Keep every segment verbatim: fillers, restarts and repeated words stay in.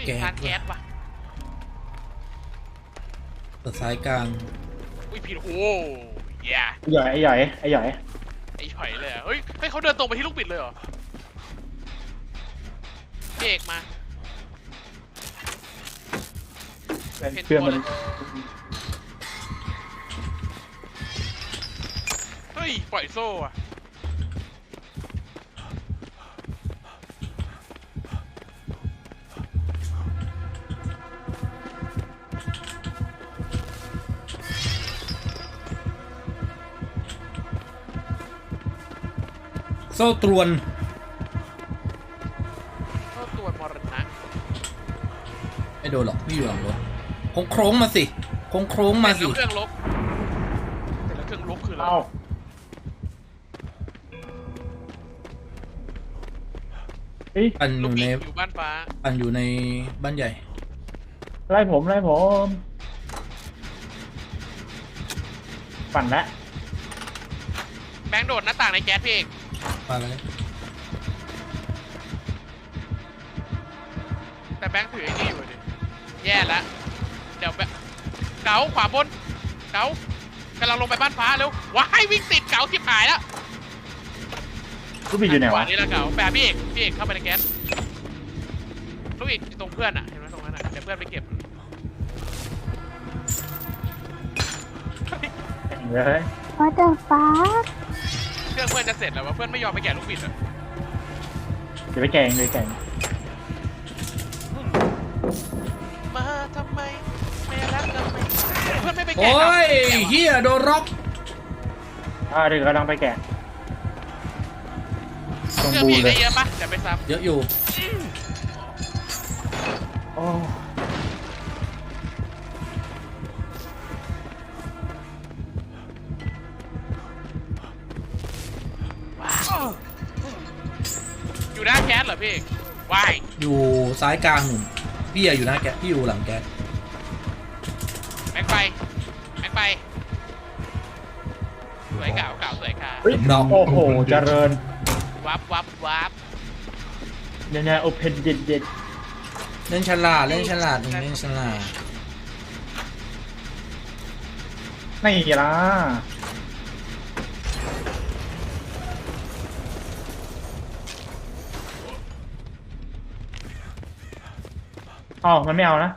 แก๊สทานแก๊สว่ะตัดสายกลางอุ้ยผิดโอ้ยย่าไอ้หย่อยไอ้หย่อยไอ้หย่อยไอ้ฉอยเลยอ่ะเฮ้ยให้เขาเดินตรงไปที่ลูกบิดเลยเหรอพี่เอกมาเพื่อนมันเฮ้ยปล่อยโซ่อะโซ่ตรวนโซ่ตัวมรณะไม่โดนหรอกพี่อยู่หลังรถโค้งโค้งมาสิโค้งโค้งมาสิแล้วเครื่องลบแต่แล้วเครื่องลบคืออะไรเอ้าเฮ้ยปั่นอลูกยู่บิในดอยู่บ้านฟ้าปั่นอยู่ในบ้านใหญ่ไล่ผมไล่ผมปั่นละแบงค์โดดหน้าต่างในแก๊สพี่เอกมาเลยแต่แบงค์ถือไอ้นี่อยู่ดิแย่แล้วเดี๋ยวแบบเก๋าขวาบนเก๋ากำลังลงไปบ้านฟ้าเร็วว้ายวิ่งติดเก๋าทิบหายแล้วลูกบิดอยู่ไหนขวาวะนี่ละเก๋าแปะพี่เอกพี่เอกเข้าไปในแก๊สลูกอีกตรงเพื่อนอ่ะเห็นไหมตรงนั้นอ่ะเดี๋ยวเพื่อนไปเก็บเลย What the fuck เครื่องเพื่อนจะเสร็จแล้ววะเพื่อนไม่ยอมไปแกะลูกบิดอ่ะเดี๋ยวไปแกงเลยแกงมาทำไมไม่รักทำไมเพื่อนไม่ไปแกะโอ้ยแกะวะเฮียโดนร็อกอ่าเดี๋ยวกำลังไปแกะตรงเครื่องบูพี่เอกเลได้ยเยอะปะเดี๋ยวไปซ้เยอะอยู่โอ้ำอยู่หน้าแก๊สเหรอพี่เอกว้ายอยู่ซ้ายกลางหนุ่มพี่อะอยู่หน้าแก๊สพี่อยู่หลังแก๊สแม็กไปแม็กไปสวยเก่าเก่าสวยค่ะเฮ้ยโอ้โหเจริญวับวับวับเนี่ยเนี่ยโอเพนเด็ดเด็ดเล่นฉลาดเล่นฉลาดหนุ่มเล่นฉลาดนี่ล่ะอ๋อมันไม่เอานะ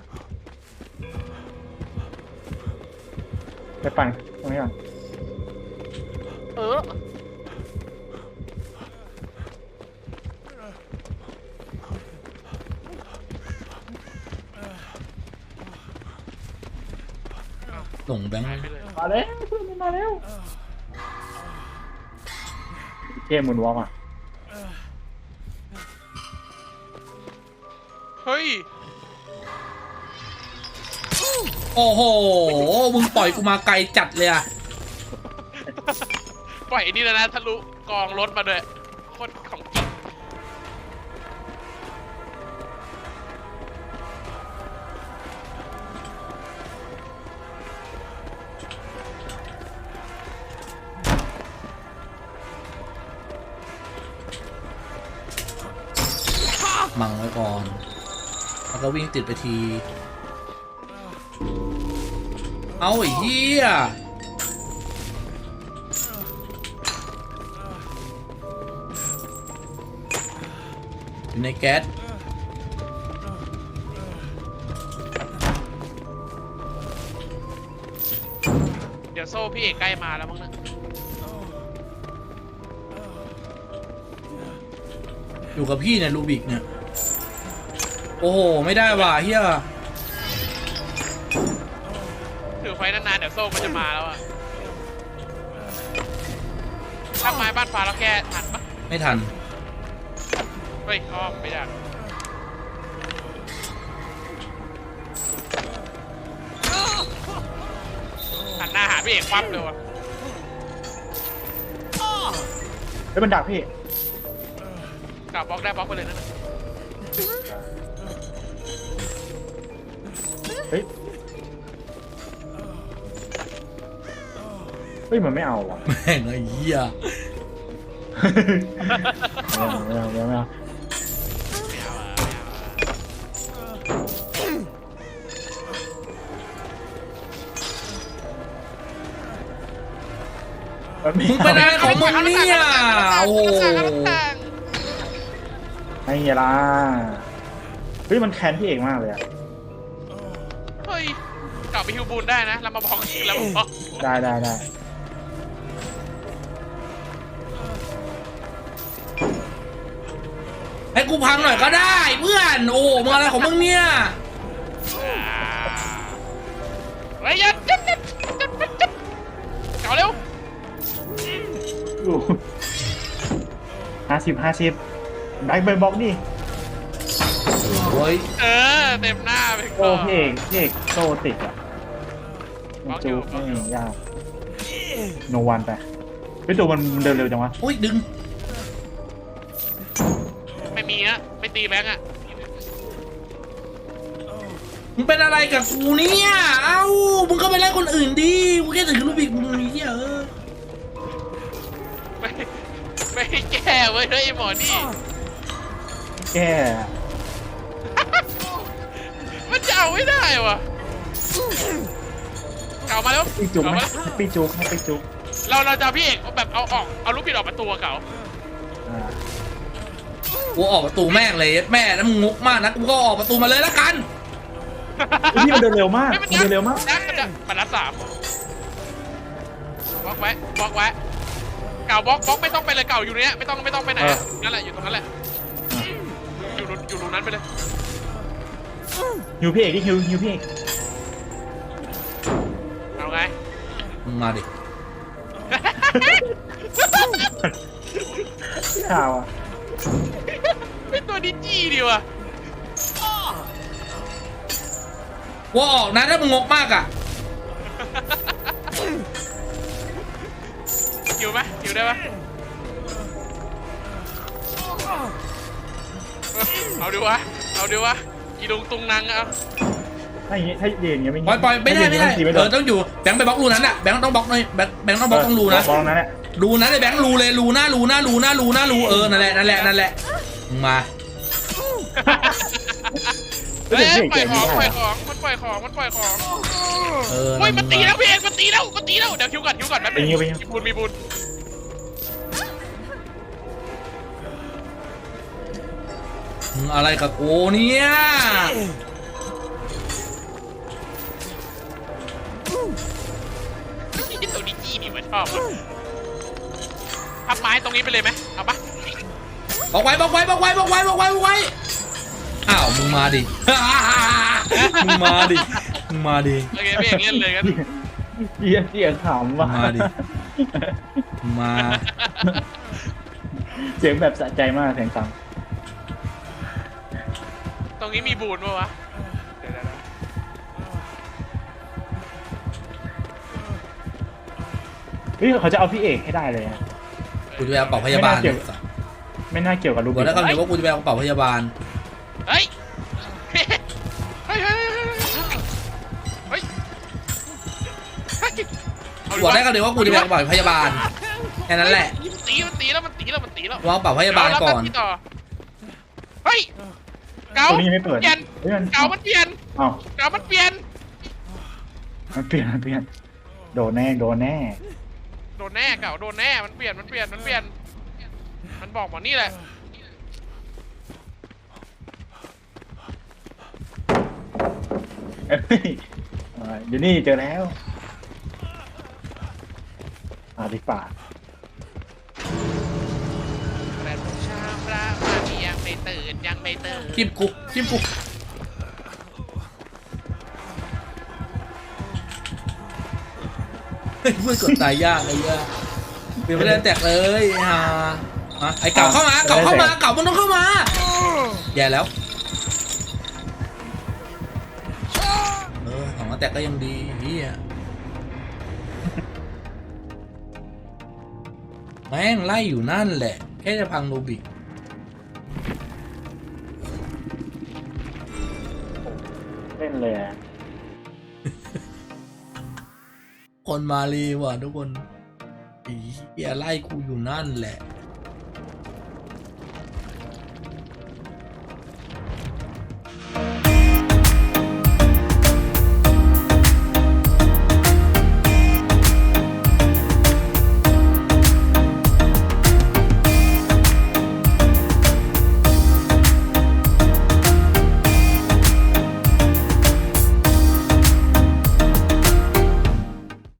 ไปปั่นตรงนี้ก่อนเออหลงแบงค์หายไปเลยมาแล้วเพื่อนมันมาแล้วเกมหมุนวอล์กอ่ะเฮ้ยโอ้โหมึงปล่อยกูมาไกลจัดเลยอะปล่อยไอ้นี่แล้วนะทะลุกองรถมาด้วยโคตรของจริงมังไว้ก่อนแล้วก็วิ่งติดไปที เอาไอ้เหี้ยอยู่ในแก๊สเดี๋ยวโซ่พี่เอกใกล้มาแล้วมั้งนะอยู่กับพี่เนี่ยลูบิกเนี่ยโอ้โหไม่ได้ว่ะเฮียถือไฟนานๆเดี๋ยวโซ่มันจะมาแล้วอะถ้าไม้บ้านฟ้าแล้วแกทันปะไม่ทันเฮ้ยอ้อมไม่ได้หันหน้าหาพี่เอกควับเลยวะเฮ้ยมันดักพี่กลับบล็อกได้บล็อกไปเลยนั่นน่ะเฮ้ย เฮ้ยมันไม่เอาว่ะแม่งไอ้เหี้ยไม่เอาไม่เอาไม่เอาไม่เอาไม่เอาอะไม่เอาอะมันไม่มึงเป็นอะไรของมึงเนี่ยโอ้โหไม่ไงล่ะเฮ้ยมันแค้นพี่เอกมากเลยอะเฮ้ยกลับไปฮิวบูนได้นะแล้วมาบอกแล้วมาบอกได้ได้ได้ให้กูพังหน่อยก็ได้เพื่อนโอ้มึงอะไรของมึงเนี่ยเฮ้ยยัดยัดยัดยัดยัดเก่าเร็วดูห้าสิบห้าสิบแบ็คเบย์บ็อกนี่โอ้ยเออเต็มหน้าไปโอ้ก่อนพี่เอกพี่เอกโตติดอ่ะมันจูบไม่ยากโนวันไปพี่ตัวมันเดินเร็วจังวะโอ้ยดึงไม่มีนะไม่ตีแบงค์อะมึงเป็นอะไรกับกูเนี่ยเอ้ามึงก็ไปไล่คนอื่นดิกูแค่ถือลูกบิกมึงนี่เออไม่ไม่แก้เว้ยเฮ้ยไอ้หมอนี่แก้มันจะเอาไม่ได้วะเก่ามาแล้วปีจุกเก่าไหมมาแล้วปีจุกให้ปีจุกเราเราจะเอาพี่เอกเอาแบบเอาออกเอาลูกบิดออกประตูเก่าอ่ากูออกประตูแม่งเลยแม่แล้วมึงงกมากนะกูก็ออกประตูมาเลยละกันพี่มันเดินเร็วมากฮ้ยมันเดินเร็วมากดักดักมันนัดสามบล็อกไว้บล็อกไว้เก่าบล็อกบล็อกไม่ต้องไปเลยเก่าอยู่เนี้ยไม่ต้องไม่ต้องไปไหนนั่นแหละอยู่ตรงนั้นแหละอยู่รูอยู่รูนั้นไปเลยฮิวพี่เอกที่ฮิวฮิวพี่เอกเอาไงมึงมาดิข่าวอ่ะเป็นตัวดิจี้ดีว่ะกูออกนะถ้ามึงงกมากอ่ะหิวไหมหิวได้ปะเอาดิวะเอาดิวะอีลุงตุงนางเอาถ้าอย่างงี้ถ้าเย็นอย่างเงี้ยไม่ปล่อยปล่อยไม่ได้ไม่ได้ไม่เออต้องอยู่แบงค์ไปบล็อกรูนั้นแหละแบงค์ต้องบล็อกหน่อยแบงค์แบงค์ต้องบล็อกต้องรูนะบล็อกนั้นแหละรูนั้นเลยแบงค์รูเลยรูหน้ารูหน้ารูหน้ารูหน้ารูเออนั่นแหละนั่นแหละนั่นแหละมึงมาเฮ้ยปล่อยของปล่อยของมันปล่อยของมันปล่อยของเออเฮ้ยมันตีแล้วพี่เอกมันตีแล้วมันตีแล้วเดี๋ยวคิวก่อนคิวก่อนแป๊บนึงมีบุญมีบุญมึงอะไรกับกูเนี่ยตัวดิจี้นี่มันชอบพับไม้ตรงนี้ไปเลยไหมเอาปะบอกไว้บอกไว้บอกไว้บอกไว้บอกไว้บอกไว้อ้าวมึงมาดิ มึงมาดิมึงมาดิโอเคพี่เอกเล่นเลยกันเสียเสียงขำว่ะมาดิ มาเสียงแบบสะใจมากเสียงซ้ตรงนี้มีบูนปะวะเดี๋ยวำเฮ้ยเขาจะเอาพี่เอกให้ได้เลยอะกูจะไปเอาเป่าพยาบาลไม่น่าเกี่ยวกับลูกบอกแล้วคำเดียวว่ากูจะไปเอาเป่าพยาบาลเฮ้ยเฮ้ยเฮ้ยเฮ้ยบอกได้คำเดียวว่ากูจะไปเอาเป่าพยาบาลแค่นั้นแหละมันตีมันตีแล้วมันตีแล้วมันตีแล้ววางเป่าพยาบาลก่อนเฮ้ยเก๋าตัวนี้ยังไม่เปิดเปลี่ยนเฮ้ยมันเก๋ามันเปลี่ยนอ้าวเก๋ามันเปลี่ยนมันเปลี่ยนมันเปลี่ยนโดนแน่โดนแน่โดนแน่เก๋าโดนแน่มันเปลี่ยนมันเปลี่ยนมันเปลี่ยนมันบอกหมอนี่แหละเอ้ยอ่าเดี๋ยวนี่เจอแล้วอาดิป่าแต่ผู้ชามระมามียังไม่ตื่นยังไม่ตื่นจิ้มกูจิ้มกูเฮ้ยเพื่อนกดตายยากเลยยากเปลี่ยนไม่ได้แตกเลยฮะอ่ะไอเก่าเข้ามาเก่าเข้ามาเก่ามันต้องเข้ามาแย่แล้วเออของมาแตกก็ยังดีเฮียแม่งไล่อยู่นั่นแหละแค่จะพังโนบิเล่นเลยอะคนมาลีว่ะทุกคนอีเฮียไล่กูอยู่นั่นแหละ